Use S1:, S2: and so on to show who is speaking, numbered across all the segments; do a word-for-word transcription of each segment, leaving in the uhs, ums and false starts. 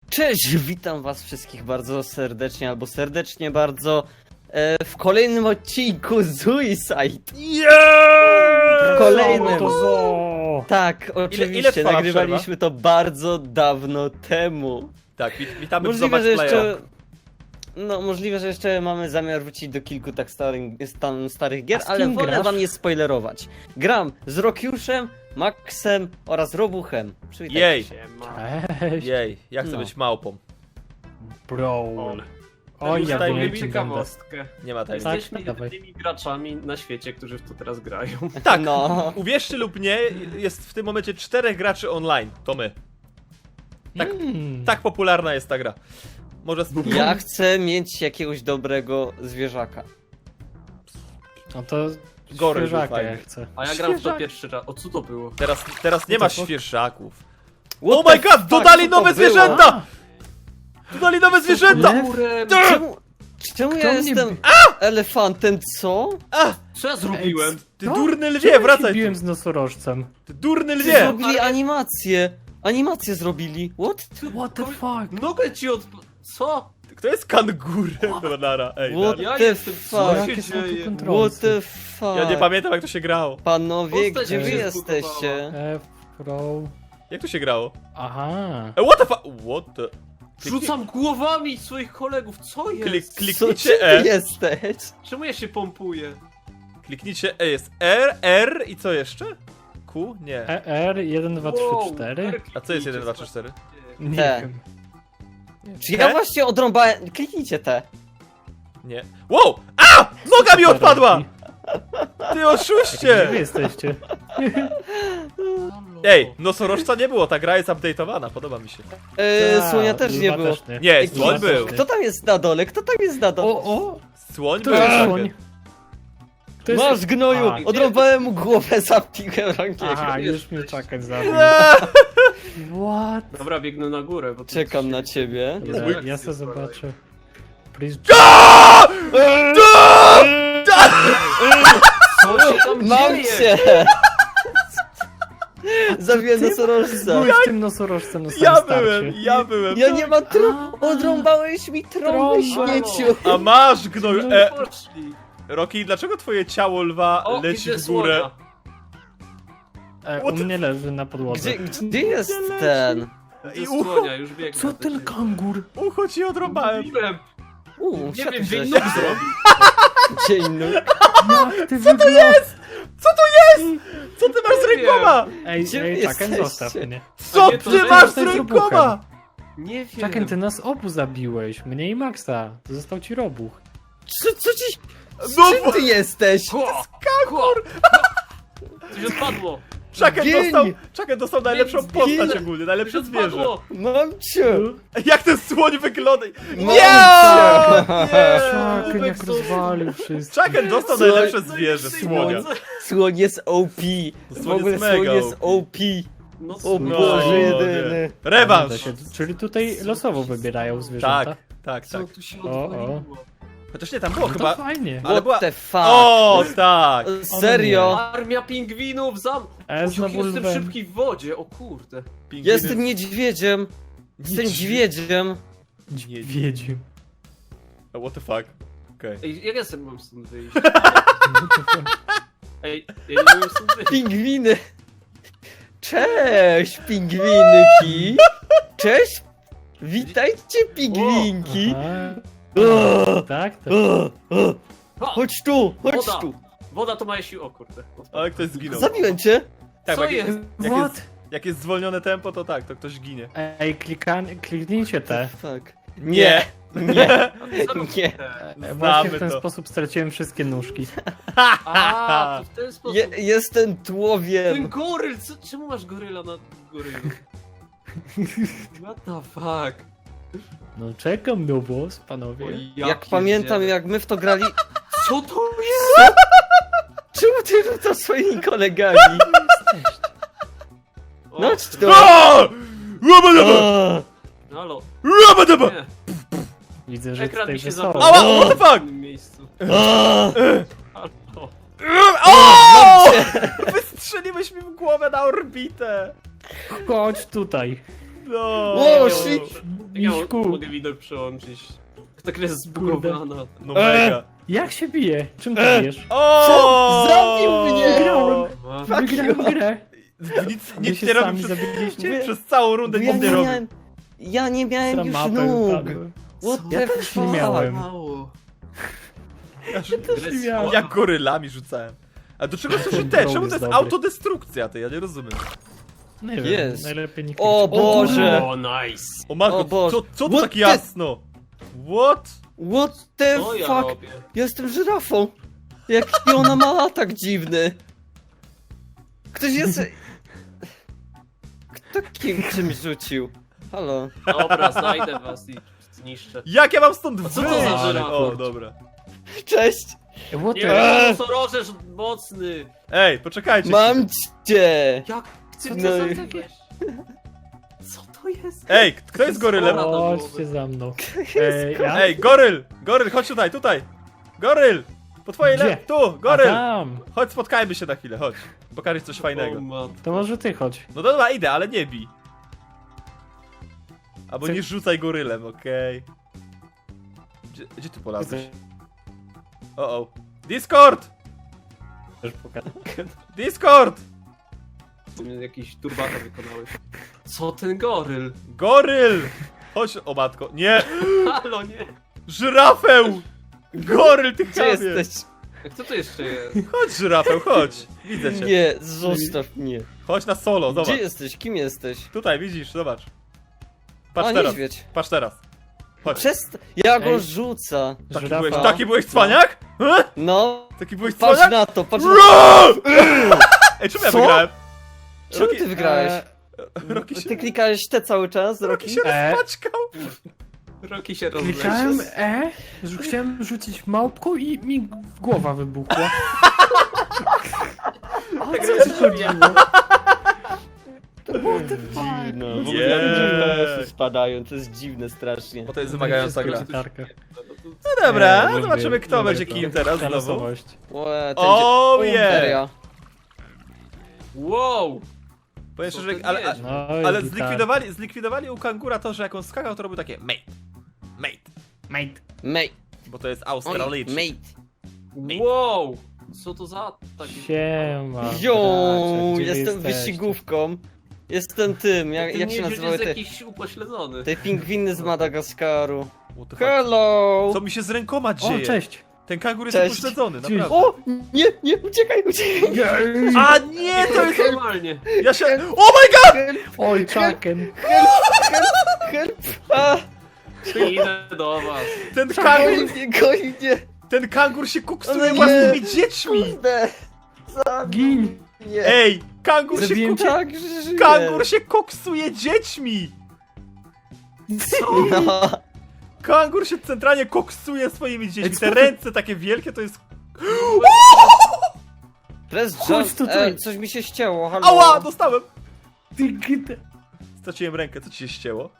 S1: Cześć, witam was wszystkich bardzo serdecznie, albo serdecznie bardzo e, w kolejnym odcinku Suicide.
S2: Yeah!
S1: W kolejnym.
S2: To zo!
S1: Tak, oczywiście,
S2: ile trwała
S1: nagrywaliśmy to bardzo dawno temu.
S2: Tak, wit witamy w
S1: Możliwe,
S2: Zobacz
S1: że
S2: Playa.
S1: jeszcze... No, możliwe, że jeszcze mamy zamiar wrócić do kilku tak starych, stan, starych gier,
S3: A z
S1: ale
S3: kim
S1: wolę
S3: grasz?
S1: wam nie spoilerować. Gram z Rokiuszem, Maxem oraz Robuchem. Przywitajcie
S2: Jej,
S1: się.
S3: Cześć!
S2: jej, ja chcę
S1: No.
S2: być małpą.
S3: Brawl.
S2: O,
S3: Oj,
S2: już
S3: ja
S2: tutaj
S3: wiem,
S2: mi
S3: czym będę.
S4: ciekawostkę.
S2: Nie ma tajemnic.
S3: Tak,
S4: Jesteśmy
S3: dawaj.
S4: jedynymi graczami na świecie, którzy w to teraz grają.
S2: Tak,
S1: No.
S2: uwierzcie lub nie, jest w tym momencie czterech graczy online. To my. Tak,
S3: Hmm.
S2: tak popularna jest ta gra. Może... sp-
S1: Ja chcę mieć jakiegoś dobrego zwierzaka.
S3: No to
S2: Goryl był
S3: świeżaka
S2: fajny.
S3: ja chcę.
S4: A ja gram w to
S3: Świeżak.
S4: pierwszy raz. O co to było?
S2: Teraz, teraz nie
S3: What
S2: ma
S3: the fuck?
S2: świeżaków.
S1: What
S2: Oh
S1: the
S2: my god,
S1: fuck,
S2: dodali
S1: co to
S2: nowe
S1: było?
S2: zwierzęta! Dodali nowe zwierzęta!
S4: Kurem!
S1: Czemu, czemu ja
S3: Kto mnie
S1: jestem
S3: bi-
S1: elefantem, co?
S2: A!
S4: Co ja zrobiłem?
S2: Ty
S3: Co?
S2: durny
S3: Czemu
S2: lwie,
S3: ja
S2: wracaj
S3: się biłem
S2: tu!
S3: z nosorożcem.
S2: Ty durny
S1: Ty
S2: lwie!
S1: zrobili
S4: ale-
S1: animację. Animację zrobili. What?
S3: What the fuck?
S4: Nogę ci od... Co?
S2: Kto jest kangurem? Dobra, nara, ej,
S1: What
S2: nara.
S4: Ja
S1: the
S4: jestem... Co
S1: fuck?
S4: się
S3: Jakie są tu
S4: dzieje?
S3: kontrolsy?
S1: What the fuck?
S2: Ja nie pamiętam jak to się grało.
S1: Panowie,
S4: Postać
S1: gdzie
S3: mi
S1: wy
S4: się
S1: jesteście?
S3: F, Pro...
S2: Jak to się grało?
S3: Aha.
S2: E, what the fuck? What the...
S4: Rzucam głowami swoich kolegów, co jest?
S2: Klik,
S1: Co,
S2: kliknijcie
S1: czym
S2: E.
S1: ty jesteś?
S4: Czemu ja się pompuję?
S2: Kliknijcie E, jest R, R i co jeszcze? Q? Nie.
S3: E R jeden dwa trzy
S4: Wow,
S3: cztery?
S4: R
S2: A co jest
S4: kliknijcie,
S2: jeden, dwa, trzy, cztery?
S3: Nie
S1: Te.
S3: wiem.
S1: Czy ja właśnie odrąbałem... Kliknijcie te.
S2: Nie. Wow! A! Noga mi odpadła! Ty
S3: Gdzie
S2: oszuście!
S3: wy jesteście?
S4: Halo.
S2: Ej, nosorożca nie było, ta gra jest update'owana, podoba mi się.
S1: Yy,
S3: Ta,
S1: słonia też nie
S3: lwa
S1: było.
S3: nie.
S2: Nie,
S1: Ej,
S2: słoń
S1: kto-
S2: był.
S1: Kto tam jest na dole? Kto tam jest na dole?
S3: O, o!
S2: Słoń
S3: To
S2: był.
S3: jest
S2: tak.
S3: słoń. To jest...
S1: Masz gnoju!
S3: A,
S1: Odrąbałem mu głowę, zapiłem rąkiem.
S3: Aha,
S4: wiesz,
S3: już mnie
S4: wiesz.
S3: czekać zabił.
S2: Eee,
S3: What?
S4: Dobra, biegnę na górę, bo to
S1: Czekam na ciebie.
S4: Jest
S3: Dobra,
S4: akcja
S3: ja sobie
S4: z kolei.
S3: zobaczę. Please...
S4: Co się tam
S1: Mam
S4: dzieje?
S1: cię! Zabiłem nosorożca.
S3: Byłeś tym nosorożcem na samym
S2: Ja
S3: starcie.
S2: byłem, ja byłem.
S1: Ja nie mam tru...
S3: A.
S1: Odrąbałeś mi trąbę,
S3: Trąba.
S1: śmieciu.
S2: A masz gnoju.
S4: No
S2: E,
S4: poszli.
S2: Rocky, dlaczego twoje ciało lwa
S4: O,
S2: leci
S4: widzę
S2: w górę?
S4: słonia.
S3: E,
S2: What
S3: u
S2: the-
S3: mnie leży na podłodze.
S1: Gdzie, gdzie jest ten?
S4: Widzę
S2: I ucho,
S4: słonia, już biegnę.
S3: Co
S4: do
S3: ten
S4: ciebie.
S3: kangur?
S2: ucho ci odrąbałem.
S4: Mówiłem.
S1: Uuu,
S4: Nie
S1: siadł
S4: wiem,
S1: żeś.
S4: gdzie nóg zrobił.
S1: Dzień nóg.
S3: Jak ty Co to jest?
S2: Co to jest? Co ty masz z
S4: Nie wiem.
S2: rękoma?
S3: Ej,
S1: Gdzie
S3: ej,
S1: wy
S3: Chaken,
S1: jesteście?
S3: zostaw mnie.
S2: Co
S4: nie, to
S2: ty
S4: że
S2: masz z
S3: jesteś
S2: rękoma?
S4: Nie wiem.
S3: Chaken, ty nas obu zabiłeś. Mnie i Maxa. To został ci robuch.
S1: Co, co ci...
S2: No
S1: Czym ty jesteś?
S4: Kangur! Coś odpadło!
S2: Chaken
S1: Gień!
S2: dostał, Chaken dostał najlepszą
S4: Gień!
S2: postać ogólnie, najlepsze
S4: Coś
S2: zwierzę.
S4: odpadło!
S1: Mam cię.
S2: Jak ten słoń wygląda?
S1: Mam
S2: Nie!
S1: cię.
S2: Nie!
S3: Chaken jak
S4: Ubek
S3: rozwalił wszystko.
S2: Chaken dostał
S1: Słoń-
S2: najlepsze zwierzę, słonia.
S1: Słoń jest O P. W
S2: Słoń
S1: ogóle
S2: jest
S1: słoń
S2: mega
S1: jest
S2: O
S1: O P.
S4: No
S1: O
S4: co?
S2: No,
S1: Boże
S2: nie.
S1: jedyny.
S2: Rewanż!
S3: Się- Czyli tutaj losowo wybierają zwierzęta.
S2: Tak, tak,
S4: Co
S2: tak.
S4: tu się
S3: O, o.
S4: odwaliło?
S2: Chociaż nie, tam było
S3: No
S2: chyba...
S3: to fajnie.
S2: Ale
S1: What
S2: była-
S1: the fuck?
S2: O, tak!
S1: Serio?
S4: Armia pingwinów zam...
S3: E,
S4: O,
S3: znowu
S4: jestem
S3: lwem.
S4: szybki w wodzie, o kurde.
S2: Pingwiny-
S1: Jestem niedźwiedziem. Jestem niedźwiedziem.
S3: Wiedził.
S2: Oh, what the fuck? Okej.
S4: Ej, jak ja sobie mam stąd wyjść? Ej, ja nie mogę stąd wyjść.
S1: Pingwiny. Cześć, pingwinki. Cześć. Witajcie, pingwinki.
S3: Aha.
S1: O,
S3: Tak, tak.
S1: o, o.
S4: O,
S1: Chodź tu, chodź
S4: Woda.
S1: tu.
S4: Woda to ma sił, o kurde.
S2: Ale ktoś zginął.
S1: Zabiłem cię.
S2: Tak,
S4: Co
S2: jak,
S4: jest?
S2: jak,
S3: What?
S2: jest, jak jest zwolnione tempo, to tak, to ktoś ginie.
S3: Ej, klikan, kliknijcie te.
S1: Fuck. Nie, nie,
S4: Co robicie?
S1: nie.
S3: E, Właśnie w ten
S2: to.
S3: sposób straciłem wszystkie nóżki.
S4: A, to w ten sposób.
S1: Je, jestem
S4: Ten
S1: tłowiem.
S4: goryl, co, czemu masz goryla na gorylu? What the fuck?
S3: No czekam na was, panowie.
S4: O, ja
S1: Jak
S4: pierdzielę.
S1: pamiętam, jak my w to grali...
S4: Co to jest?
S1: Czemu ty to swoimi kolegami?
S4: O,
S1: No chodź tu.
S2: O! Łabadaba!
S1: O,
S4: Halo,
S2: Łabadaba!
S4: nie.
S3: Widzę, że
S4: Ekran
S3: tutaj
S4: mi się
S3: wesoło.
S4: zapalił.
S2: Ała, what the
S4: W
S2: fuck?
S4: innym miejscu.
S1: o.
S4: Halo.
S2: O! Wystrzeliłeś mi w głowę na orbitę!
S3: Chodź tutaj.
S2: No.
S1: O, shit.
S4: Jak ja
S3: Miśku.
S4: mogę widok przełączyć? Ta gra jest zbugowana.
S2: No mega.
S3: Jak się bije? Czym ty
S1: E.
S3: bijesz?
S2: O!
S1: Co? Zabił mnie!
S3: Wygrałem!
S4: Ma-
S3: Wygrałem grę!
S2: Nic,
S3: Wy
S2: nic
S3: się
S2: nie robi
S3: sami
S2: przez,
S3: zabiliście?
S2: przez całą rundę,
S1: Bo ja
S2: nic nie
S1: nie
S2: robi.
S1: miałem... Ja nie miałem
S3: Sam
S1: już
S3: mapę
S1: nóg!
S3: upadłem.
S1: What
S4: Co?
S1: the
S3: Ja też nie
S1: fuck?
S3: miałem.
S4: Mało.
S2: Ja,
S3: Też nie miałem.
S2: jak gorylami rzucałem. A do czego służy te? Czemu to jest
S3: dobry.
S2: autodestrukcja? Ty, ja nie rozumiem.
S3: Nie wiem,
S1: Jest.
S3: najlepiej nie
S1: O
S3: klikać.
S1: Boże!
S4: O, nice.
S2: O matko,
S1: O Boże.
S2: co, co tu
S1: What
S2: tak
S1: the-
S2: jasno? What?
S1: What the
S4: Co ja
S1: fuck?
S4: robię?
S1: Jestem żyrafą! Jaki ona ma atak dziwny! Ktoś jest... Kto kim czymś rzucił? Halo?
S4: Dobra, znajdę was i zniszczę.
S2: Jak ja mam stąd
S4: co to
S2: wyjść?
S4: za żyrafa?
S2: O, dobra.
S1: Cześć!
S3: What
S4: Nie,
S3: the...
S1: Eee.
S4: nosorożesz mocny.
S2: Ej, poczekajcie.
S1: Mam cię!
S4: Jak ty
S1: No
S4: to
S1: i-
S4: zabiłeś? Co to jest?
S2: Ej, kto jest gorylem?
S4: Ora.
S3: Chodźcie za mną. Ej, ja?
S2: Ej, goryl! Goryl, chodź tutaj, tutaj! Goryl! Po twojej
S3: Gdzie?
S2: le... Tu,
S3: A
S2: goryl!
S3: tam!
S2: Chodź, spotkajmy się na chwilę, chodź. Pokażę ci coś
S4: O,
S2: fajnego.
S4: man.
S3: To może ty chodź.
S2: No dobra, idę, ale nie bij. Albo
S3: Co-
S2: nie rzucaj gorylem, okej. Gdzie, gdzie ty polazłeś? O, o. Discord!
S3: Chcesz pokazać?
S2: Discord!
S4: Jakiś turbata wykonałeś. Co ten goryl?
S2: Goryl! Chodź, o matko. Nie!
S4: Halo, nie.
S2: Żyrafę! Goryl, ty
S1: Gdzie
S2: chamie!
S1: jesteś?
S4: Jak kto to jeszcze jest?
S2: Chodź, żyrafę, chodź. Widzę cię.
S1: Nie, zostaw mnie.
S2: Chodź na solo,
S1: Gdzie
S2: zobacz.
S1: jesteś? Kim jesteś?
S2: Tutaj, widzisz, zobacz. Patrz
S1: A,
S2: teraz,
S1: niedźwiedź.
S2: patrz teraz. Chodź.
S1: Przest... Ja go
S3: Ej.
S1: rzuca.
S2: Taki
S3: Żyrafa.
S2: byłeś, taki byłeś cwaniak? He?
S1: No,
S2: Taki byłeś
S1: patrz
S2: cwaniak?
S1: na to, patrz na
S2: Ro! Ej, czemu ja
S1: Co?
S2: wygrałem?
S1: Czemu
S2: Rocky-
S1: ty wygrałeś?
S3: Eee,
S2: Rocky się,
S1: Ty klikałeś te cały czas,
S2: Rocky
S1: Rocky?
S2: się
S3: E?
S2: rozpaczkał.
S4: Roki się rozleciał.
S3: Klikałem E, że chciałem rzucić małpką i mi głowa wybuchła. O co ci chodziło?
S1: To było te dziwne. W ogóle
S2: Nie.
S1: F P S-y spadają, to jest dziwne strasznie.
S2: Bo to jest wymagająca gra.
S3: Gitarka.
S2: No dobra,
S3: Eee,
S2: zobaczymy
S3: lubię-
S2: kto
S3: lubię
S2: będzie
S3: to.
S2: kim teraz znowu.
S3: Losowość.
S1: Łe, ten
S2: O
S1: dzie-
S2: yeah!
S1: Seria.
S4: Wow!
S2: Powiem
S4: Co
S2: szczerze,
S4: to
S2: ale,
S4: jest?
S3: No i
S2: ale
S3: gitar.
S2: zlikwidowali, zlikwidowali u kangura to, że jak on skakał, to robił takie mate, mate,
S3: Mate.
S1: Mate,
S2: bo to jest
S1: oj,
S2: Australijczyk.
S1: mate.
S4: Wow! Co to za taki...
S3: Siema.
S1: Jo,
S3: bracie, gdzie
S1: jestem
S3: jesteście?
S1: wyścigówką. Jestem tym, jak,
S4: Ten
S1: jak się
S4: niedźwiedź
S1: nazywały
S4: jest
S1: te,
S4: jakiś upośledzony.
S1: te pingwiny z Madagaskaru.
S2: What the fuck?
S1: Hello!
S2: Co mi się z rękoma dzieje?
S3: O, cześć.
S2: Ten kangur jest
S1: Cześć.
S2: upośledzony,
S3: Cześć.
S2: naprawdę.
S1: O! Nie, nie, uciekaj, uciekaj!
S2: A nie, to jest...
S4: Normalnie.
S2: Ja się... Oh my god!
S1: Help,
S3: Oj, Chucken.
S1: help! A!
S4: Idę do was.
S2: Ten
S1: Goi
S2: kangur,
S1: mnie, goi mnie!
S2: ten kangur się
S1: Ale
S2: kuksuje
S1: nie.
S2: własnymi dziećmi!
S1: Kurde! Zabij
S3: Gin.
S1: mnie!
S2: Ej, kangur się,
S3: Zabiłem
S2: kuk...
S3: cię.
S1: Tak, że żyję!
S2: kangur się koksuje dziećmi!
S1: No.
S2: Kangur się centralnie koksuje swoimi dziećmi.
S3: co
S2: Te
S3: ty-
S2: ręce takie wielkie to jest...
S1: Press
S3: Chodź
S1: jump.
S3: tutaj.
S1: E, coś mi się ścięło, halo.
S2: Ała, dostałem!
S3: Ty gita.
S2: Straciłem rękę, co ci się ścięło?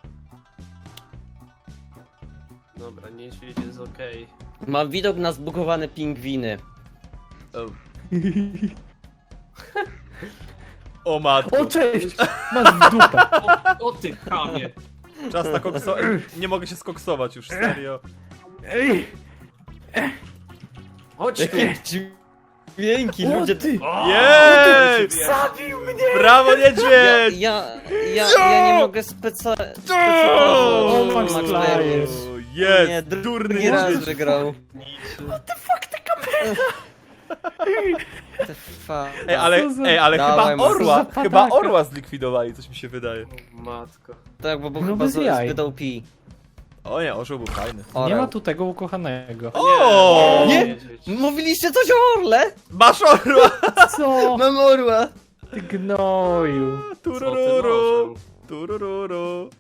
S4: Dobra, niedźwiedź jest okej.
S1: Mam widok na zbugowane pingwiny.
S2: O, o matko.
S3: O, cześć. Masz w dupę.
S4: O, o ty chamie.
S2: Czas na kokso... Nie mogę się skoksować już, serio.
S3: Ej.
S4: Chodź tu.
S1: Jakie dźwięki,
S3: O,
S1: ludzie...
S3: ty.
S2: Jej!
S3: Zabił mnie.
S2: Brawo,
S1: Ja,
S2: niedźwiedź!
S1: ja, ja, ja nie mogę speca... specyfikować.
S3: O, Max
S1: Max
S3: Players.
S1: Players. Nie,
S2: Jest,
S1: dru-
S2: durny
S1: drugi raz
S2: niedźwiedź.
S1: wygrał. The fuck?
S2: Ej, ale,
S3: Co za-
S2: ej, ale
S1: Dawaj,
S2: chyba
S1: Max.
S2: orła,
S3: Co za
S2: chyba
S3: padaka.
S2: orła zlikwidowali, coś mi się wydaje.
S4: O, matko.
S1: Tak, bo był
S3: No
S1: chyba
S3: bez
S1: z-
S3: jaj.
S1: zbyt O P.
S2: O nie, orzeł był fajny.
S3: Nie
S1: Orał.
S3: ma tu tego ukochanego.
S2: O!
S1: Nie!
S4: Niedźwiedź.
S1: Mówiliście coś o orle?
S2: Masz orła!
S3: Co?
S1: Mam orła.
S3: Ty gnoju.
S4: Co ty
S2: Turururu,
S4: nożą?
S2: turururu,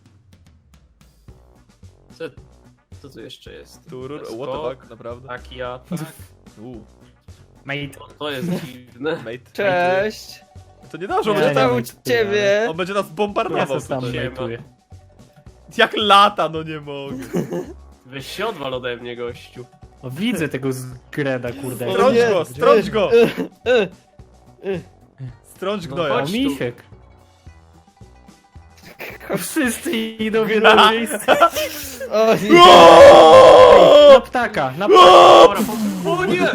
S4: Co, co tu jeszcze jest?
S2: tururu,
S4: Skok,
S2: what the fuck, naprawdę?
S4: Taki atak.
S2: Uuu,
S3: Mate.
S4: To jest dziwne.
S2: mate.
S1: Cześć.
S2: To nie dobrze, on
S3: Nie,
S2: będzie,
S1: Co tam
S3: nie,
S1: u
S3: nie,
S1: ciebie?
S2: on będzie nas
S3: Ja
S2: bombardował
S3: se sam
S2: tutaj.
S4: Siema.
S3: majtuję.
S2: Jak lata, no nie mogę.
S4: Weź się odwal ode mnie, gościu.
S3: O, widzę tego zgreda, kurde.
S1: O
S2: Strąć
S1: nie.
S2: go, strąć go!
S1: E, e.
S2: Strąć
S4: No
S2: gnoja.
S3: O,
S4: chodź.
S3: misiek. Wszyscy idą w jedno miejsce.
S1: O nie.
S3: Na ptaka, na ptaka.
S4: Dobra, po... O nie!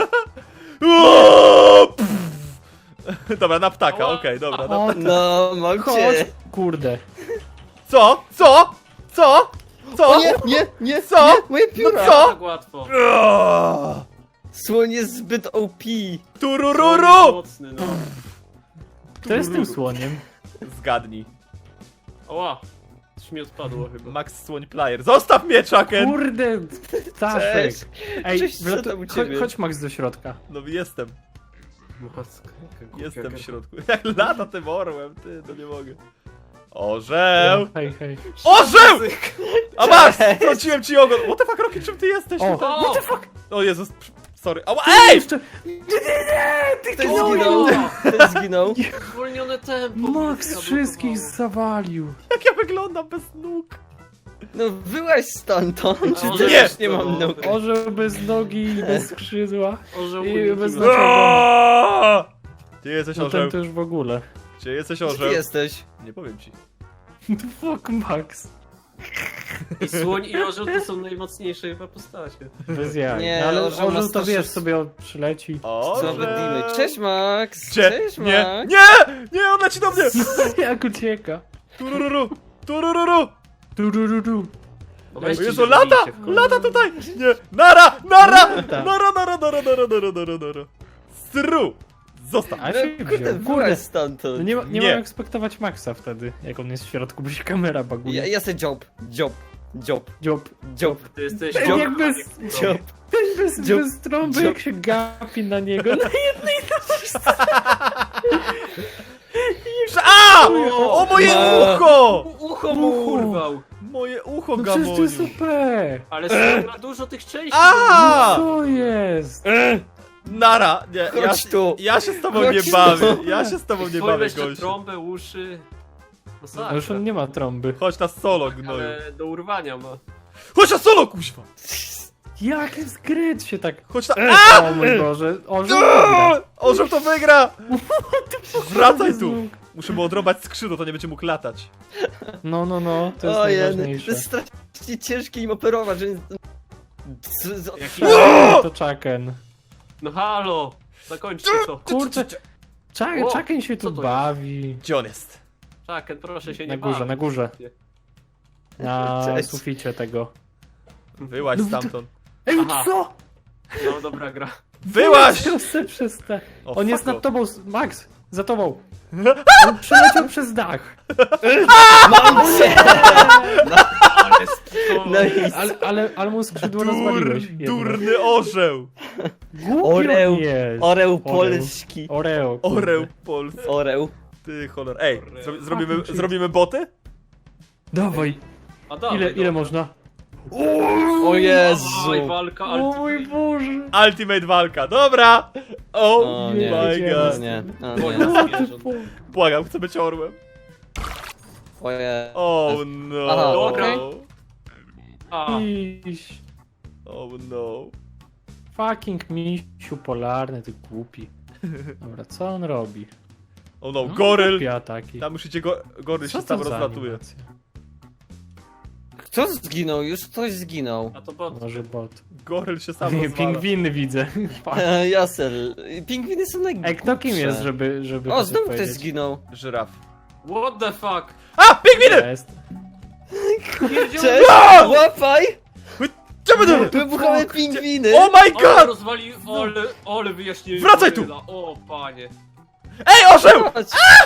S2: Dobra, na ptaka, okej, dobra. Na...
S3: O,
S1: No, mam
S3: chodź.
S1: cię.
S3: Kurde.
S2: Co? Co? Co? Co?
S1: O nie, nie, nie,
S2: Co?
S1: nie, moje pióra.
S2: No co?
S4: Tak łatwo.
S2: Aaaa!
S1: Słoń jest zbyt O P.
S2: Turururu!
S4: Mocny, no.
S3: Kto jest tym słoniem?
S2: Zgadnij.
S4: Oła. Coś mi odpadło chyba.
S2: Max Słoń Player. Zostaw mnie, Chucken!
S3: Kurde, Staszek.
S1: Cześć.
S3: Ej,
S1: Cześć, co
S3: wlatu-
S1: tam u
S3: cho-
S1: ciebie?
S3: chodź Max do środka.
S2: No jestem,
S4: Maska, jaka głupia
S2: jestem w
S4: gada.
S2: środku. Jak lata tym orłem, ty, no nie mogę. Orzeł!
S3: Hej, hej.
S2: Orzeł! A Max! Wróciłem ci ogon! What the fuck, Rocky, czym ty jesteś?
S3: O.
S2: tutaj?
S4: O!
S2: O Jezus, sorry. Ała,
S3: Ty
S2: ej!
S3: jeszcze... Nie, nie, nie, ty
S1: Ktoś
S3: no,
S1: zginął. Ktoś zginął.
S4: Zwolnione tempo.
S3: Max
S4: zablokowało.
S3: wszystkich zawalił.
S2: Jak ja wyglądam bez nóg?
S1: No wyłaź stamtąd. Czy
S4: O,
S1: ty
S2: nie.
S1: też nie mam nóg?
S3: Orzeł bez nogi i bez skrzydła.
S4: Orzeł
S3: I
S4: uniknął.
S3: bez znaczenia.
S2: Aaaa! Gdzie jesteś,
S3: No
S2: orzeł?
S3: ten to już w ogóle.
S2: Gdzie jesteś,
S1: Gdzie ty
S2: orzeł?
S1: jesteś?
S2: Nie powiem ci.
S3: The fuck, Max.
S4: I słoń i orzeł to są najmocniejsze chyba postacie.
S3: Bez jaj.
S1: Nie,
S3: No, ale
S1: orzeł ma
S3: orzeł to
S1: starszy-
S3: wiesz, sobie przyleci.
S1: Co
S2: Orzeł!
S1: wydimy? Cześć Max!
S2: Gdzie?
S1: Cześć
S2: Nie,
S1: Max!
S2: nie! Nie, on leci do mnie!
S3: Jak ucieka.
S2: Turururu! Turururu!
S3: Turururu.
S2: O
S4: Weźcie
S2: Jezu,
S4: się,
S2: lata!
S4: bijcie w końcu.
S2: Lata tutaj! Nie! Nara! Nara!
S3: Lata.
S2: Nara, nara, nara, nara, nara, nara, nara. Stru! Zostaw!
S3: A
S1: No
S3: się
S1: kurde,
S3: wziął.
S1: wyłaź
S3: Kurde.
S1: stamtąd.
S3: No nie, ma, nie,
S2: Nie.
S3: mam jak spektować Maxa wtedy, jak on jest w środku, bo się kamera baguje.
S1: Ja, ja se job, job, job,
S3: Dziób.
S1: job,
S4: Ty jesteś...
S3: Ten
S1: Dziób.
S3: jak bez,
S1: job.
S3: ten bez,
S1: Dziób.
S3: bez trąby,
S1: Dziób.
S3: jak się gapi na niego. No
S2: Prze- A! O moje
S1: Ma-
S2: ucho!
S4: Ucho mu urwał.
S2: Moje ucho
S3: No przecież to jest
S2: gamoniu.
S3: O P.
S4: Ale słoń ma dużo tych części.
S2: A!
S3: Co jest?
S2: Nara! Nie, ja,
S1: Chodź tu.
S2: ja się z tobą
S1: Chodź
S2: nie
S1: tu.
S2: bawię. Ja się z tobą nie
S4: Twoje
S2: bawię,
S4: jeszcze
S2: gościu.
S4: trąbę, uszy.
S3: No już on nie ma trąby.
S2: Chodź na solo, gnoju.
S4: Ale do urwania ma.
S2: Chodź na solo, kuźwa!
S3: Jak jest gryt się tak...
S2: Chodź na...
S3: O mój Boże, orzeł wygra.
S2: Orzeł to wygra! Wracaj tu!
S3: Znów.
S2: Muszę mu odrobać skrzydło, to nie będzie mógł latać.
S3: No, no, no, to jest
S1: Ojej, to
S3: najważniejsze.
S1: jest strasznie ciężkie im operować, że... z- z-
S4: Jaki...
S3: To Chucken.
S4: No halo! Zakończcie to.
S3: Kurczę, Chucken,
S4: O,
S3: Chucken się
S4: co
S3: tu
S4: to
S3: bawi.
S2: Gdzie on jest?
S4: Czaken, proszę się
S3: Na
S4: nie
S3: górze,
S4: bawić.
S3: na górze. Na
S1: Cześć.
S3: suficie tego.
S2: Wyłaź
S3: No,
S2: stamtąd.
S3: Ej,
S4: Aha.
S3: co?
S4: No dobra gra.
S2: Wyłaź!
S3: Proszę przestań.
S2: O,
S3: On jest
S2: fuck
S3: nad tobą, Max, za tobą. On przeleciał przez dach.
S1: Mam cię!
S4: Ale to...
S1: No i
S3: Ale, ale, ale mu skrzydło rozwaliłeś.
S2: Dur,
S3: jedno.
S2: durny orzeł!
S3: Głupi
S1: Oreł.
S3: on jest.
S1: Oreł polski.
S3: Oreo. kurde.
S2: Orzeł polski.
S1: Oreł.
S2: Ty cholor. Ej, zro zrobimy,
S3: Fucking shit.
S2: zrobimy boty?
S3: Dawaj.
S4: A dawaj,
S3: Ile, ile
S4: dobra.
S3: można?
S1: O Jezu.
S4: Dawaj, walka,
S3: O
S4: ale...
S3: mój Boże.
S2: Ultimate walka, dobra! Oh
S1: O
S3: nie,
S1: nie,
S2: my
S3: nie,
S2: god.
S1: o nie, o
S4: Wojna
S1: nie.
S3: What the
S4: zwierząt.
S3: fuck?
S2: Błagam, chcę być orłem.
S1: Oje.
S2: Oh no.
S1: Aha,
S4: okej. A,
S3: Iś.
S2: Oh no.
S3: Fucking misiu polarny, ty głupi. Dobra, co on robi?
S2: Oh no, goryl!
S3: Głupie ataki.
S2: Tam już idzie go goryl,
S3: Co
S2: się tam
S3: to za
S2: rozlatuje.
S3: animacja?
S1: Kto zginął? Już ktoś zginął.
S4: a to bot.
S3: Może bot.
S2: Goryl się sam
S3: Nie,
S2: rozwala.
S3: pingwiny widzę. Fuck.
S1: E, Jasel. Pingwiny są najgłupsze.
S3: Ej, kto kim jest, żeby, żeby
S1: O,
S3: to
S1: znowu ktoś
S3: powiedzieć?
S1: zginął.
S2: Żyraf.
S4: What the fuck?
S2: A! Pingwiny!
S3: Jest.
S1: Cześć! Łapaj!
S2: Czemu to?
S1: Wybuchowe pingwiny!
S2: Oh my
S4: Ale
S2: god!
S4: rozwali... Ole, ole wyjaśnienie.
S2: Wracaj tu!
S4: goryla. O, panie.
S2: Ej, orzeł!
S1: Chodź.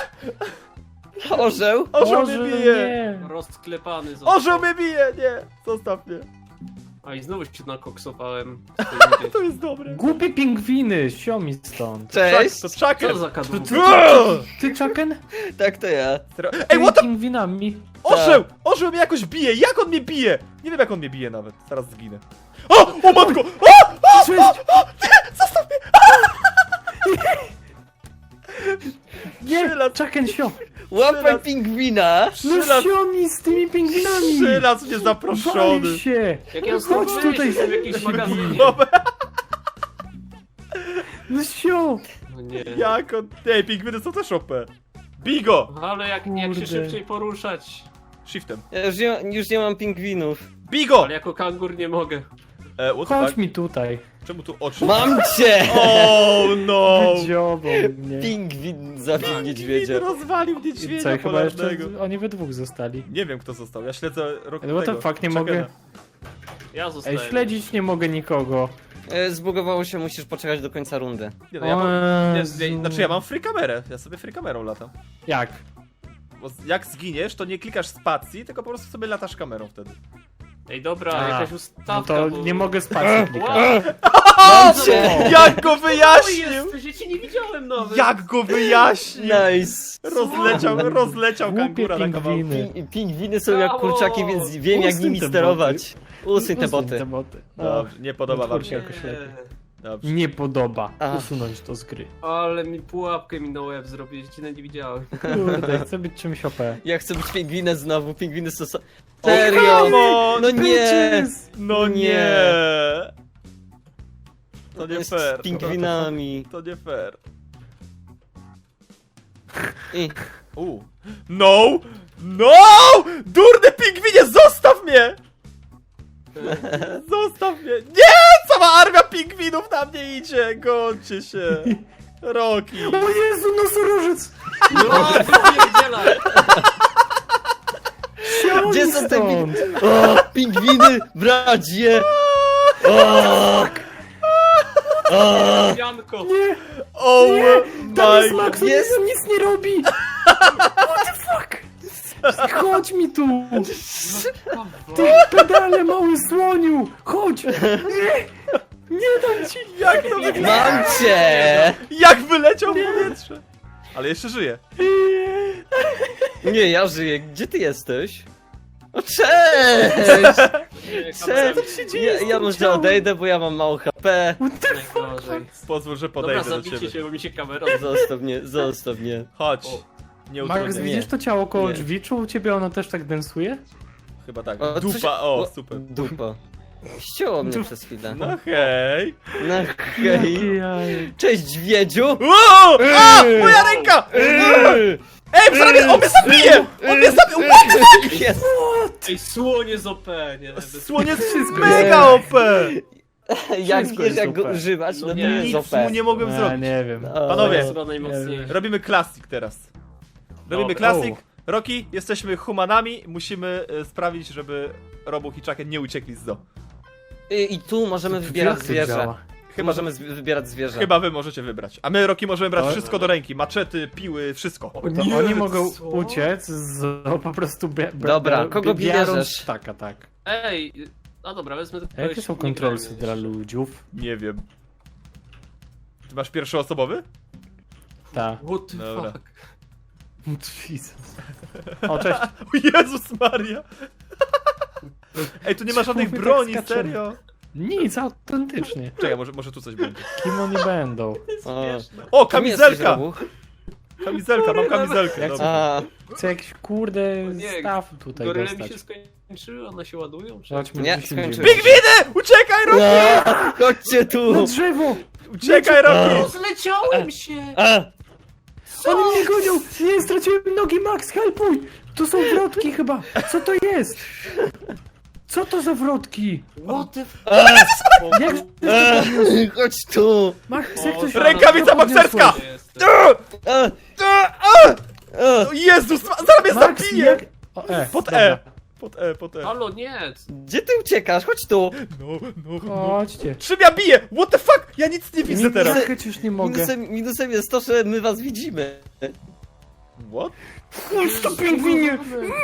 S1: Orzeł?
S2: Orzeł
S3: Boże,
S2: mnie bije!
S3: nie.
S4: Rozklepany został.
S2: Orzeł mnie bije! Nie! Zostaw mnie.
S4: A i znowu się nakoksowałem.
S2: To jest dobre.
S3: Głupie pingwiny, siomi stąd.
S1: Cześć!
S2: To
S4: Co
S2: Chucken!
S4: za kadłub?
S3: Ty, Chucken?
S1: Tak to ja.
S2: Ej, what the...
S3: Pingwinami.
S2: Orzeł! Orzeł mnie jakoś bije! Jak on mnie bije? Nie wiem jak on mnie bije nawet. Zaraz zginę. O! O matko! O! O!
S3: Cześć.
S2: Zostaw mnie!
S3: Nie,
S2: Przylat.
S3: Chucken, sio.
S1: Łapaj pingwina!
S3: No
S2: Przylat...
S3: siomi z tymi pingwinami.
S2: Przylat mnie zaproszony.
S3: Wal się.
S4: Jak ja
S3: Chodź
S4: stąd
S3: tutaj
S4: wyjść, jestem w
S3: się
S4: jakimś magazynie.
S3: No sio.
S4: No nie.
S2: Jak on... Ej, pingwiny są też O P. Bigo!
S4: Ale jak, jak się
S3: Kurde.
S4: szybciej poruszać.
S2: Shiftem.
S1: Ja już nie, już nie mam pingwinów.
S2: Bigo!
S4: Ale jako kangur nie mogę.
S2: E, what the
S3: Chodź
S2: fuck?
S3: mi tutaj.
S2: Czemu tu oczy?
S1: Mam cię!
S2: Oh no!
S3: Wydziobą mnie.
S1: Pingwin zabił niedźwiedzia.
S2: rozwalił
S3: I
S2: niedźwiedzia
S3: co, i chyba jeszcze
S2: polarnego.
S3: oni we dwóch zostali.
S2: Nie wiem kto został, ja śledzę rok
S3: Ale what the
S2: tego,
S3: fuck, nie
S2: Chuckena.
S3: mogę.
S4: Ja
S3: Ej,
S4: zostaję.
S3: śledzić nie mogę nikogo.
S1: E, Zbugowało się, musisz poczekać do końca rundy.
S2: Nie, no, ja mam,
S3: O
S2: nie,
S3: Jezu.
S2: nie, znaczy ja mam free kamerę, ja sobie free kamerą latam.
S3: Jak?
S2: Bo z- jak zginiesz, to nie klikasz spacji, tylko po prostu sobie latasz kamerą wtedy.
S4: Ej, dobra,
S3: A,
S4: jakaś
S3: No
S4: ustawka,
S3: to
S4: bo...
S3: nie mogę spać klikać.
S1: Mam cię!
S2: Jak go
S4: O,
S2: wyjaśnił!
S4: jesteś, ja cię nie widziałem nawet.
S2: Jak go wyjaśnił!
S1: Nice!
S2: Rozleciał, rozleciał
S3: Głupie
S2: kangura na kawałki.
S3: pingwiny.
S1: Ping, pingwiny są jak
S4: Brawo!
S1: kurczaki, więc wiem jak
S3: Usuń
S1: nimi
S3: te
S1: sterować. Usuń te
S3: Usuń
S1: boty.
S3: te boty. O,
S2: Dobrze, nie podoba wam się.
S3: jakoś lepiej.
S2: Dobrze.
S3: Nie podoba.
S1: A.
S3: Usunąć to z gry.
S4: Ale mi pułapkę mi na łeb zrobiłeś, cię nawet nie widziałem.
S3: Kurde, chcę być czymś O P.
S1: Ja chcę być pingwinem znowu, pingwiny są... so-
S2: O,
S1: Serio!
S2: come on!
S1: No nie!
S2: No
S1: Nie.
S2: nie! To nie
S1: Jest
S2: fair.
S1: z pingwinami.
S2: To nie fair.
S1: I...
S2: U. No! No! Durny pingwinie, zostaw mnie! Zostaw mnie! Nie! Cała armia pingwinów na mnie idzie! Gońcie się! Roki!
S3: O Jezu, nosorożec!
S4: No, pierdzielaj!
S1: Gdzie są te
S3: Stąd.
S1: pingwiny? O, pingwiny, bracie! O! O!
S4: Janko!
S2: Oh
S3: Tam
S2: my
S3: jest
S2: god!
S3: Max, on
S1: Jest.
S3: nic- nic nie robi! What the fuck? Chodź mi tu! Ty pedale, mały słoniu! Chodź! Nie! Nie dam ci!
S2: Jak to wygląda?
S1: Mam cię!
S2: Jak wyleciał w powietrze! Ale jeszcze żyje.
S1: Nie, ja żyję. Gdzie ty jesteś? O, cześć! Cześć! Ja, ja może odejdę, bo ja mam mało H P.
S3: What the fuck?
S4: Najgorzej.
S2: Pozwól, że
S4: Dobra,
S2: podejdę do
S4: zabijcie
S2: ciebie.
S4: się, bo mi się kamera...
S1: Zostaw mnie, zostaw mnie.
S2: Chodź.
S4: O.
S2: Nie
S3: Max,
S2: utrudniaj.
S3: widzisz to ciało koło
S1: Nie.
S3: drzwi? Czy u ciebie ono też tak densuje?
S2: Chyba tak.
S1: O,
S2: Dupa,
S1: coś-
S2: o, super.
S1: Dupa. Ścięło mnie
S3: Dupa.
S1: przez chwilę.
S2: No hej.
S1: No hej.
S3: Jaj.
S1: Cześć, dźwiedziu!
S2: Wow! A! Moja ręka! Ej, prawie, on mnie zabije! On mnie zabije! What the fuck?
S1: Jest.
S4: Ej, słonie z O P, nie? Bez...
S2: Słoniec jest
S3: Wszystko
S2: mega O P!
S1: Jak
S3: Wszystko
S1: wiesz,
S3: jest
S1: jak go
S3: O P.
S1: używać, no
S4: No
S1: to
S4: nie,
S1: jest
S2: Nic
S1: O P.
S2: mu nie mogłem
S3: A,
S2: zrobić.
S3: nie wiem.
S1: O,
S2: Panowie.
S4: To jest chyba najmocniejsze.
S2: Robimy klasik teraz. Robimy
S4: Dobra.
S2: klasik. Roki, jesteśmy humanami, musimy e, sprawić, żeby Robuch i Chucken nie uciekli z zoo.
S1: I, I tu możemy wybierać
S3: Jak to
S1: zwierzę.
S3: działa?
S1: Tu
S2: Chyba,
S1: możemy z- wybierać zwierzę.
S2: Chyba wy możecie wybrać. A my, Roki, możemy brać
S3: Ale-
S2: wszystko do ręki. Maczety, piły, wszystko.
S3: To
S4: Nie,
S3: oni mogą
S4: co?
S3: uciec z no, po prostu bie, bie,
S1: Dobra,
S3: bie-
S1: kogo
S3: biorąc
S1: bierzesz?
S3: Tak, tak.
S4: Ej, a dobra, wezmę to
S3: A jakie są kontrolsy dla ludziów?
S2: Nie wiem. Ty masz pierwszoosobowy?
S3: Tak.
S4: What the
S2: Dobra.
S4: fuck?
S3: Jesus. O, cześć.
S2: O Jezus Maria! Ej, tu nie ma żadnych
S3: Czemu my tak
S2: broni,
S3: skaczemy?
S2: serio?
S3: Nic, autentycznie.
S2: Czekaj, może, może tu coś będzie.
S3: Kim oni będą?
S1: O,
S2: O,
S1: kim jesteś,
S2: kamizelka!
S1: Robuch?
S2: Kamizelka, mam kamizelkę.
S3: Jak
S2: Dobra.
S1: A,
S3: Chcę jakiś kurde
S4: Nie,
S3: staw tutaj
S4: Goryle mi
S3: dostać.
S4: się skończyły, one się ładują? Czy...
S3: Chodźmy,
S1: Nie,
S3: wysiądziemy.
S1: skończyły.
S2: Pingwiny! Uciekaj, Roki!
S1: a, chodźcie tu!
S3: Na drzewo!
S2: Uciekaj, Roki!
S4: Zleciałem się!
S1: A,
S3: Oni mnie gonią! Nie, straciłem nogi, Max, helpuj! To są wrotki chyba! Co to jest? Co to za wrotki?
S4: What the fuck?
S3: Jak...
S1: a, chodź tu!
S3: Max, jak to się...
S2: Rękawica bokserska!
S1: A, a, a.
S2: O Jezus, ma- zaraz mnie
S3: Max,
S2: zabije!
S3: jak... O, e,
S2: Pod
S3: dobra.
S2: E! Pod E, pod E.
S4: Halo, nie!
S1: Gdzie ty uciekasz? Chodź tu!
S2: No, no, no.
S3: Chodźcie.
S2: Czym ja biję? What the fuck? Ja nic nie widzę
S3: Nie
S2: teraz.
S3: trafiać już nie mogę.
S1: Minusem, minusem jest to, że my was widzimy.
S2: What?
S3: Chodź to pingwinie!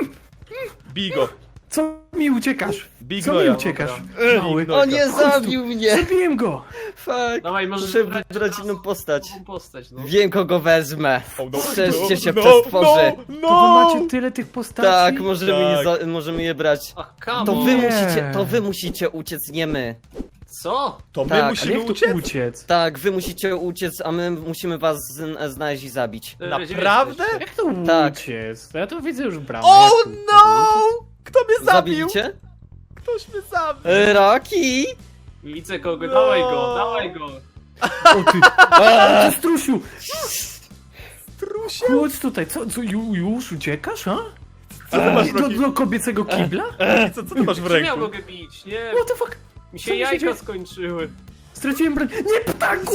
S2: Bigo.
S3: Co mi uciekasz?
S2: Big
S3: Co mi
S2: Noja.
S3: uciekasz?
S2: Dobra.
S3: Mały.
S2: Big Noja.
S1: O nie,
S3: Chodź tu.
S1: zabił mnie!
S3: Zabiłem go!
S1: Fuck!
S4: Dawaj, możesz
S1: Muszę
S4: wybrać
S1: wybrać
S4: teraz
S1: inną postać.
S4: nową postać, no.
S1: Wiem, kogo wezmę.
S2: Oh, no,
S1: Strzeżcie się,
S2: no,
S1: przestworzy.
S2: No,
S3: To
S2: no.
S3: wy macie tyle tych postaci?
S1: Tak, możemy,
S2: Tak.
S1: Je za, możemy je brać.
S4: Ach, come
S1: To
S4: on.
S1: wy
S3: Nie.
S1: musicie, to wy musicie uciec, nie my.
S4: Co?
S2: To my
S1: Tak,
S3: Ale
S2: musimy
S3: jak tu
S2: uciec?
S3: uciec?
S1: Tak, wy musicie uciec, a my musimy was z, znaleźć i zabić.
S4: E, gdzie
S2: Naprawdę?
S4: jesteście?
S3: Jak to
S1: Tak.
S3: uciec? Ja tu widzę już bramę.
S2: Oh
S3: Jak tu-
S2: no! Kto mnie zabił?
S1: Zabicie?
S2: Ktoś mnie zabił.
S1: E, Rocky!
S4: Widzę kogo,
S2: No.
S4: dawaj go, dawaj go.
S3: O ty!
S1: A,
S3: Ty strusiu!
S2: Trusie.
S3: Chodź tutaj, co, co ju, już uciekasz, a?
S2: Co ty masz w
S3: Do,
S2: Roki?
S3: do kobiecego kibla?
S2: Roki, co, co ty masz w
S4: Czy ja
S2: ręku?
S4: mogę bić? Nie,
S3: What the fuck?
S4: mi
S3: co
S4: się
S3: mi się
S4: jajka
S3: dzieje?
S4: skończyły.
S3: Straciłem broń. Nie, ptaku!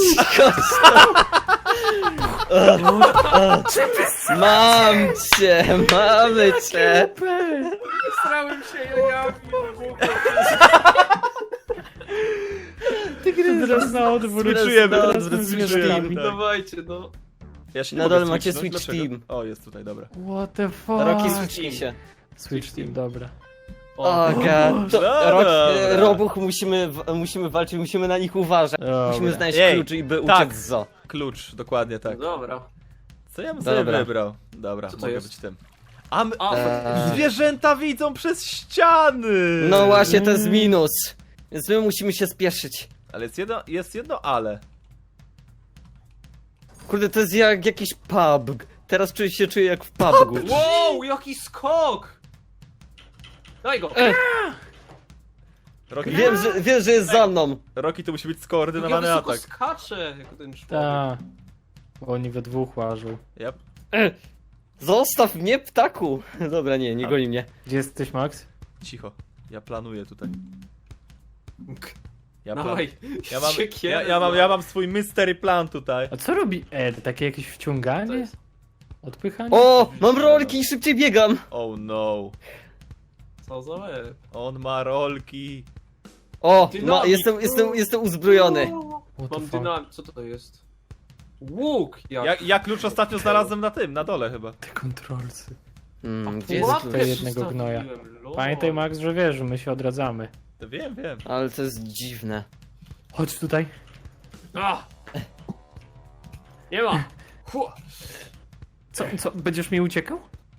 S1: Mam cię, mamy cię.
S4: Strałem się jajami.
S3: Teraz na odwrót.
S2: Switchujemy,
S1: na
S2: teraz
S1: odwrót
S2: switchujemy,
S1: switchujemy.
S2: tak.
S4: Dawajcie, no.
S2: Ja się nie
S1: Na
S2: mogę
S1: dole macie
S2: switchnąć,
S1: switch
S2: dlaczego?
S1: team.
S2: O, jest tutaj, dobra.
S3: What the fuck?
S1: Roki, switchnij się.
S3: Switch team, dobra.
S1: O, god. To,
S2: No
S1: Rok,
S2: dobra.
S1: Robuch, musimy, w- musimy walczyć, musimy na nich uważać.
S3: Dobra.
S1: Musimy znaleźć
S2: Ej,
S1: klucz i by
S2: tak.
S1: uciec z zoo.
S2: Klucz, dokładnie tak.
S4: Dobra.
S2: Co ja bym sobie
S1: Dobra.
S2: wybrał? Dobra,
S4: Co to
S2: mogę
S4: jest?
S2: być tym. A my...
S4: A,
S1: Eee.
S2: Zwierzęta widzą przez ściany!
S1: No właśnie, to jest minus. Więc my musimy się spieszyć.
S2: Ale jest jedno, jest jedno ale.
S1: Kurde, to jest jak jakiś pub. Teraz czuję się czuję jak w pubu.
S4: wow, jaki skok! Daj go!
S1: E,
S2: Roki,
S1: wiem, że, wiem, że jest za mną.
S2: Roki to musi być
S4: Jak ja
S2: skoordynowany
S4: wysoko
S2: atak.
S4: skaczę, jako ten człowiek.
S3: Ta. Bo oni we dwóch łażą.
S2: Yep.
S1: E, zostaw mnie, ptaku. Dobra, nie, nie goni mnie.
S3: Gdzie jesteś, Max?
S2: Cicho. Ja planuję tutaj. Ja, plan...
S4: Dawaj,
S2: ja, mam,
S4: siekierę,
S2: ja, ja, mam,
S4: no.
S2: ja mam swój mystery plan tutaj.
S3: A co robi Ed? Takie jakieś
S4: To
S3: wciąganie?
S4: jest-
S3: Odpychanie?
S1: O, mam rolki i szybciej biegam.
S2: Oh no.
S4: Co za łeb.
S2: On ma rolki.
S1: O, ma,
S4: Dynamit.
S1: jestem, jestem, jestem uzbrojony.
S3: What the
S4: Mam
S3: fuck?
S4: dynamit, co to jest? Łuk, jak.
S2: Ja, ja klucz ostatnio znalazłem na tym, na dole chyba.
S3: Te kontrolsy.
S1: Hmm, gdzie
S3: jest
S1: jest
S4: Pułapkę
S1: klucz?
S3: tutaj jednego gnoja.
S4: zostawiłem, lol.
S3: Pamiętaj, Max, że wiesz, że my się odradzamy.
S2: To wiem, wiem.
S1: Ale to jest dziwne.
S3: Chodź tutaj.
S4: A! Nie ma! Hu!
S3: Co, co, będziesz mi uciekał?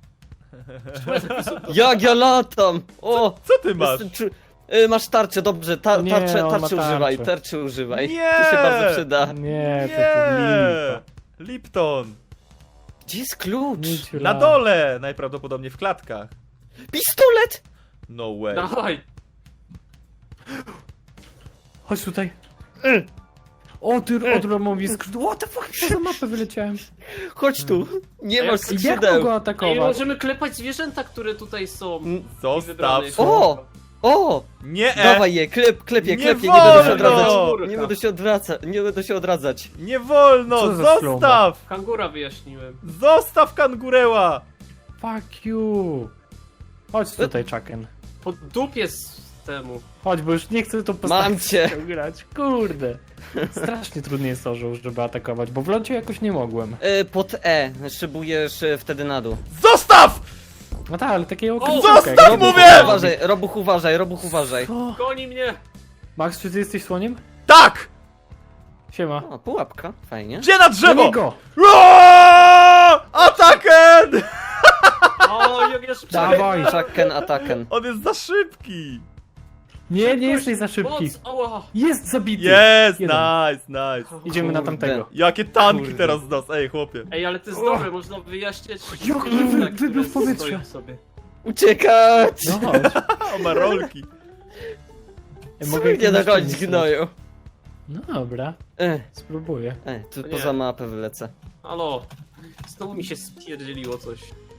S1: Jak ja latam! O!
S2: Co ty masz?
S1: jestem czu- y, masz tarczę, dobrze, ta,
S3: Nie,
S1: tarczę,
S3: on ma
S1: tarczy
S3: tarczę.
S1: używaj, tarczy używaj.
S2: Nie!
S1: To się bardzo przyda.
S3: Nie, to
S2: Nie!
S3: to lipa.
S2: Lipton!
S1: Gdzie jest klucz?
S3: Miciu
S2: Na
S3: lat.
S2: dole! Najprawdopodobniej w klatkach.
S1: Pistolet!
S2: No way.
S4: Dawaj!
S3: Chodź tutaj. O, ty odromowi skrzydło. What the fuck, poza mapę wyleciałem.
S1: Chodź tu, nie
S4: A
S1: masz
S4: jak-
S3: Jak mam
S1: skrzydeł.
S3: go
S4: Ej,
S3: atakować?
S4: możemy klepać zwierzęta, które tutaj są.
S2: Zostaw.
S4: Wybranych.
S1: O! O!
S2: Nie! E.
S1: Dawaj je, klep, klepie,
S2: Nie
S1: klepie, nie będę się
S2: wolno!
S1: odradzać. Nie będę się odwracać, nie będę się odradzać.
S2: Nie wolno!
S3: Co za
S2: Zostaw!
S4: Kangura wyjaśniłem.
S2: Zostaw kangureła!
S3: Fuck you. Chodź tutaj, Chucken.
S4: Po dupie z temu.
S3: Chodź, bo już nie chcę tą
S1: Mam cię.
S3: postacią grać. Kurde. Strasznie trudny jest orzeł, żeby atakować, bo w locie jakoś nie mogłem.
S1: Y, pod E, szybujesz y, wtedy na dół.
S2: Zostaw!
S3: No tak, ale takiego
S2: Zostaw,
S1: Robuch,
S2: mówię!
S1: uważaj, Robuch, uważaj, Robuch, uważaj.
S3: Co?
S4: Goni mnie!
S3: Max, czy ty jesteś słoniem?
S2: Tak!
S3: Siema.
S1: O, pułapka, fajnie.
S2: Gdzie na drzewo?
S3: go!
S2: Roar! Ataken!
S4: O, jak ja szybciej.
S3: Dawaj.
S1: Chucken, ataken.
S2: On jest za szybki!
S3: Nie, nie jesteś za szybki.
S4: Moc, ała.
S3: Jest zabity.
S2: Jest!
S3: Jeden.
S2: Nice, nice.
S3: Idziemy na
S1: Kurde.
S3: tamtego.
S2: Jakie tanki
S1: Kurde.
S2: teraz z nas, ej chłopie.
S4: Ej, ale to jest
S3: O.
S4: dobre, można wyjaśniać
S3: Jak
S4: zwierzęta,
S3: wy- wybił
S4: które
S3: w powietrze.
S4: stoją sobie.
S1: Uciekać!
S3: No chodź.
S2: O, ma rolki.
S3: Ej,
S1: Mogę
S3: mogę
S1: nie
S3: jakimś
S1: dogonić
S3: czymś
S1: gnoju.
S3: No dobra,
S1: E,
S3: spróbuję.
S1: e, tu
S4: Nie.
S1: poza mapę wylecę.
S4: Halo. Znowu mi się spierdzieliło coś.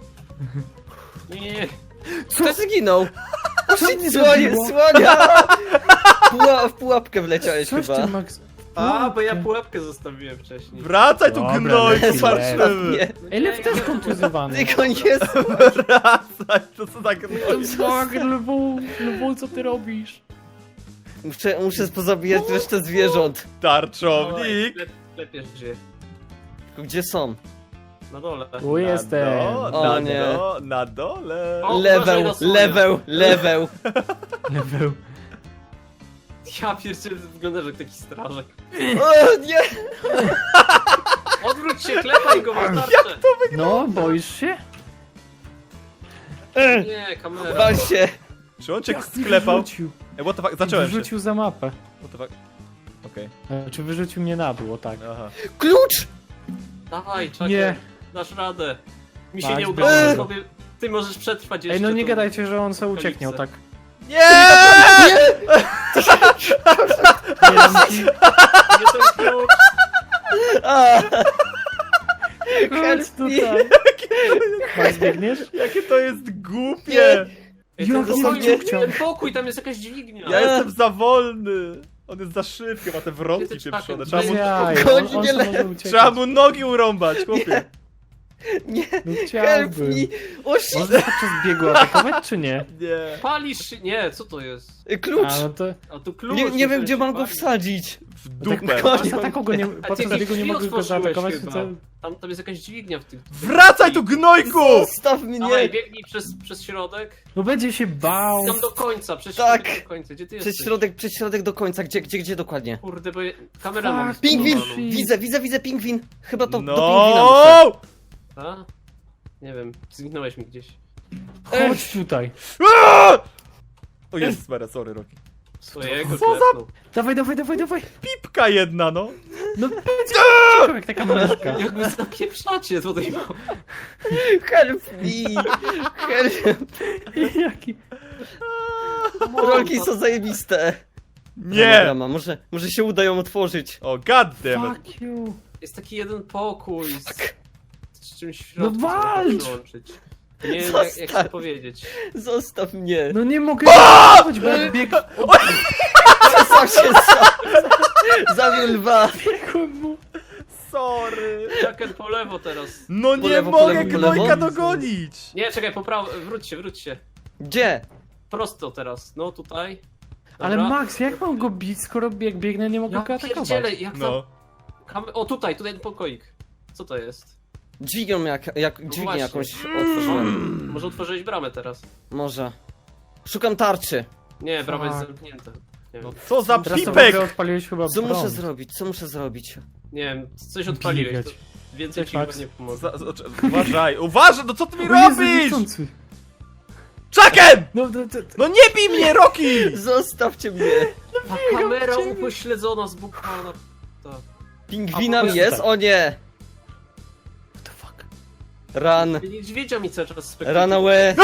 S4: Nie, nie, nie.
S1: Kto zginął?
S3: Co mnie
S1: Słonie,
S3: zabiło?
S1: słonia! Puła, w pułapkę wleciałeś
S3: Coś
S1: chyba.
S3: ty, Max.
S4: A, bo ja
S3: Pułapkę.
S4: pułapkę zostawiłem wcześniej.
S2: Wracaj tu
S3: Dobra,
S2: gnoj,
S3: leci,
S2: popatrzymy.
S1: Nie,
S3: Ej, Lew też kontuzjowany.
S1: tylko nie
S2: Wracaj, to co tak gnoj.
S3: Fuck, lwu, lwu, co ty robisz?
S1: Muszę, muszę pozabijać resztę zwierząt.
S2: Tarczownik.
S4: Lep, lepiej żyje.
S1: Tylko gdzie są?
S4: Na dole.
S3: Tu jestem.
S2: Na, do,
S1: O
S2: na,
S1: nie.
S2: do, na dole.
S4: O, uważaj
S1: Leweł,
S4: na słonia.
S1: leweł, leweł.
S3: Level.
S4: Ja pierdzielę, wyglądasz jak taki strażak.
S1: O nie!
S4: Odwróć się, klepaj go, masz tarczę.
S3: No, boisz się?
S4: Nie, kamera.
S1: Wal się.
S2: Czy on cię
S3: Jak mi
S2: sklepał?
S3: wyrzucił?
S2: Ej, what the fuck, zacząłem się.
S3: Wyrzucił za mapę.
S2: What the fuck. Okej,
S3: Czy wyrzucił mnie na dół, o tak.
S2: aha.
S1: Klucz!
S4: Dawaj, czekaj.
S3: Nie.
S4: Dasz radę. Mi się
S3: Max,
S4: nie udało,
S1: eee.
S4: sobie. Ty możesz przetrwać jeszcze.
S3: Ej, no nie
S4: tą-
S3: gadajcie, że on sobie ucieknie, o tak.
S2: Nie!
S3: Nie dam ci.
S4: Nie ten klucz.
S1: A,
S3: Chodź
S1: Help me.
S3: tutaj. Max, biegniesz?
S2: Jakie to jest głupie!
S4: Ej, ten,
S3: Jak
S4: pokój,
S3: nie chciał.
S4: ten pokój, tam jest jakaś dźwignia.
S2: Ja jestem za wolny! On jest za szybki, ma te wrotki
S4: Ty, ty,
S2: pieprzone.
S4: czekaj,
S2: Trzeba
S3: Bez
S2: mu,
S3: jaj,
S1: Chodź,
S3: on, on
S1: nie
S3: sam
S1: le-
S3: może uciekać.
S2: trzeba mu nogi urąbać, chłopie.
S1: Nie,
S3: No
S1: help
S3: chciałbym.
S1: me! O shit!
S3: Można podczas biegu atakować, czy nie?
S2: Nie.
S4: Palisz się... Nie, co to jest?
S1: Klucz!
S3: A, no to...
S4: A tu klucz.
S1: Nie, nie wiem,
S4: myślałem,
S1: gdzie
S4: że
S1: mam go
S4: pali.
S1: wsadzić.
S2: W
S3: Tak,
S2: dupę.
S3: podczas ataku go nie,
S4: A
S3: podczas
S4: ty
S3: biegu nie
S4: drzwi
S3: mogę go
S4: otworzyłeś
S3: zaatakować,
S4: chyba.
S3: to...
S4: Tam, tam jest jakaś dźwignia w tym.
S2: Wracaj tu, gnojku!
S1: Zostaw mnie!
S4: Dawaj, biegnij przez, przez środek.
S3: No będzie się bał.
S4: Tam do końca, przez
S1: Tak.
S4: środek do końca. Gdzie ty
S1: Przez
S4: jesteś?
S1: środek, przez środek do końca, gdzie, gdzie, gdzie dokładnie?
S4: Kurde, bo je... kamera mam
S3: Fuck,
S1: Pingwin!
S4: zbudowaną.
S1: Widzę, widzę, widzę pingwin! Chyba to do pingwina muszę.
S2: No!
S4: A? Nie wiem, zginąłeś mi gdzieś.
S3: Chodź tutaj.
S2: Aaa! O jest, Mara, sorry, Rocky.
S4: Swojego
S2: Co za-
S4: klepnął.
S3: Dawaj, dawaj, dawaj, dawaj.
S2: Pipka jedna, no.
S3: No będzie cicho, jak taka mleczka.
S4: Jak wy napieprzacie tutaj mam.
S1: Help me! Help!
S3: Jaki...
S1: Rolki są zajebiste!
S2: Nie!
S1: Drama. Może, może się uda ją otworzyć.
S2: O, goddammit.
S3: Fuck you.
S4: Jest taki jeden pokój z, z czymś w
S3: No
S4: środku. co można
S3: walcz!
S4: przyłączyć. Nie wiem jak, jak to
S1: Zostaw.
S4: powiedzieć.
S1: Zostaw mnie!
S3: No nie mogę zaatakować, bo jak bieg...
S1: Sam się za... Zabił lwa!
S3: Biegłem mu.
S2: Sorry.
S4: Jaken po lewo teraz.
S2: No nie
S1: Po lewo, po
S2: mogę
S1: lewo, po
S2: gnojka
S1: lewo.
S2: dogonić.
S4: Nie, czekaj, po prawo, wróć się, wróć się.
S1: Gdzie?
S4: Prosto teraz, no tutaj. Dobra.
S3: Ale Max, jak mam go bić, skoro jak biegnę, nie mogę
S4: Ja
S3: go atakować?
S4: pierdzielę, jak
S2: No.
S4: tam... Kam... O, tutaj, tutaj ten pokoik. Co to jest?
S1: Dźwignią jak, jak dźwignię
S4: właśnie.
S1: jakąś otworzyłem.
S4: Może otworzyłeś bramę teraz?
S1: Może. Szukam tarczy.
S4: Nie, brama jest
S3: Fuck.
S4: zamknięta. Nie
S2: No
S4: wiem,
S2: co za
S3: Teraz to w
S2: pipek!
S3: ogóle odpaliłeś chyba
S1: Co muszę
S3: prąd.
S1: zrobić? Co muszę zrobić?
S4: nie wiem, coś odpaliłeś. To
S3: Gigać.
S4: więcej
S3: Cześć,
S4: ci chyba
S3: Max.
S4: nie pomoże.
S2: Za, za, uważaj, uważaj, no co ty mi
S3: O Jezu,
S2: robisz?
S3: niechcący.
S2: Chucken!
S3: No, to, to,
S2: No nie bij mnie, Rocky!
S1: Zostawcie mnie!
S4: A kamera
S3: ciebie.
S4: upośledzona, zbukowana. Tak.
S1: Pingwinam
S3: A, po
S1: jest?
S3: prostu
S1: O nie!
S3: What the fuck?
S1: Run!
S4: Niedźwiedzia mi cały czas
S1: Run away!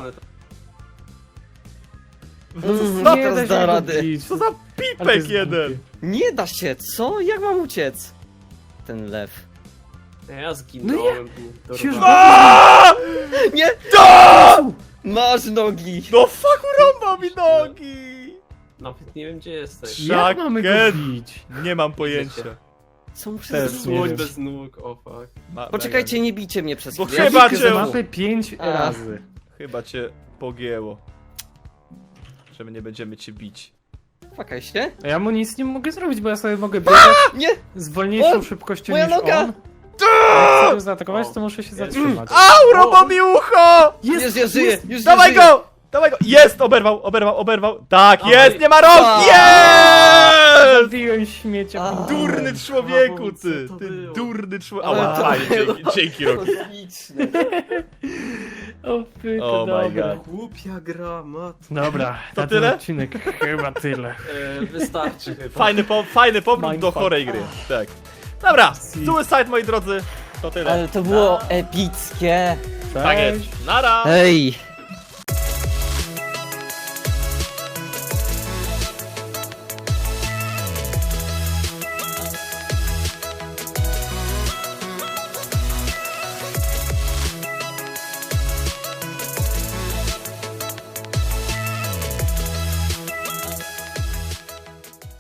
S1: Mm,
S2: No,
S1: nie
S3: da
S1: teraz
S3: się
S1: da
S3: go
S1: rady.
S3: bić.
S2: Co za
S3: Ale to
S2: pipek
S3: jest
S2: jeden!
S3: głupie.
S1: Nie da się, co? Jak mam uciec? Ten lew.
S4: Ja zginąłem. No
S3: Się już
S2: Aaaa!
S1: Nie!
S2: Da!
S1: Masz nogi!
S2: No fuck, urąbał mi nogi!
S4: Nawet nie wiem gdzie jesteś.
S3: Jak mamy go
S2: Chucken!
S3: bić?
S2: Nie mam pojęcia.
S1: Co muszę
S3: Też
S1: zrobić?
S3: nie
S4: Słoń
S3: wiem.
S4: bez nóg, o fuck.
S2: Ma-
S1: Poczekajcie, nie bijcie mnie przez
S2: Bo
S1: chwilę.
S2: chyba
S1: Ja
S2: cię-
S1: znowu.
S3: Mapy pięć
S1: A.
S3: razy.
S2: Chyba cię pogięło. Że my nie będziemy cię bić.
S1: Fakaj się?
S3: A ja mu nic nie mogę zrobić, bo ja sobie mogę biegać
S1: Nie!
S3: z wolniejszą
S1: O,
S3: szybkością
S1: moja
S3: niż
S1: noga!
S3: on. Jak chcę go zaatakować, to muszę się zatrzymać.
S2: Au, urąbał mi ucho!
S1: Już ja żyję! Już ja
S2: Dawaj
S1: żyję!
S2: go! Dawaj go! Jest! Oberwał, oberwał, oberwał. Tak,
S4: Dawaj.
S2: jest! Nie ma rąk!
S1: A.
S2: Jest!
S3: Zabiłem śmiecia.
S1: A.
S2: Durny człowieku,
S4: Co
S2: ty!
S4: to
S2: Ty
S4: było?
S2: durny człowiek.
S1: Ale
S2: Ała,
S1: to
S2: fajnie,
S1: było
S2: dzięki, dzięki Rocky.
S1: Kosmiczne.
S3: O, py, to
S2: Oh my
S3: dobra.
S2: God.
S4: Głupia gra, mat.
S3: Dobra,
S2: To
S3: na
S2: tyle?
S3: ten odcinek chyba tyle.
S4: E, wystarczy chyba.
S2: Fajny, po, fajny powrót do
S3: Mindfuck.
S2: chorej gry. Tak. Dobra,
S3: Si.
S2: Suicide, moi drodzy. To tyle.
S1: Ale to było epickie.
S2: Tak jest. Nara!
S1: Hej!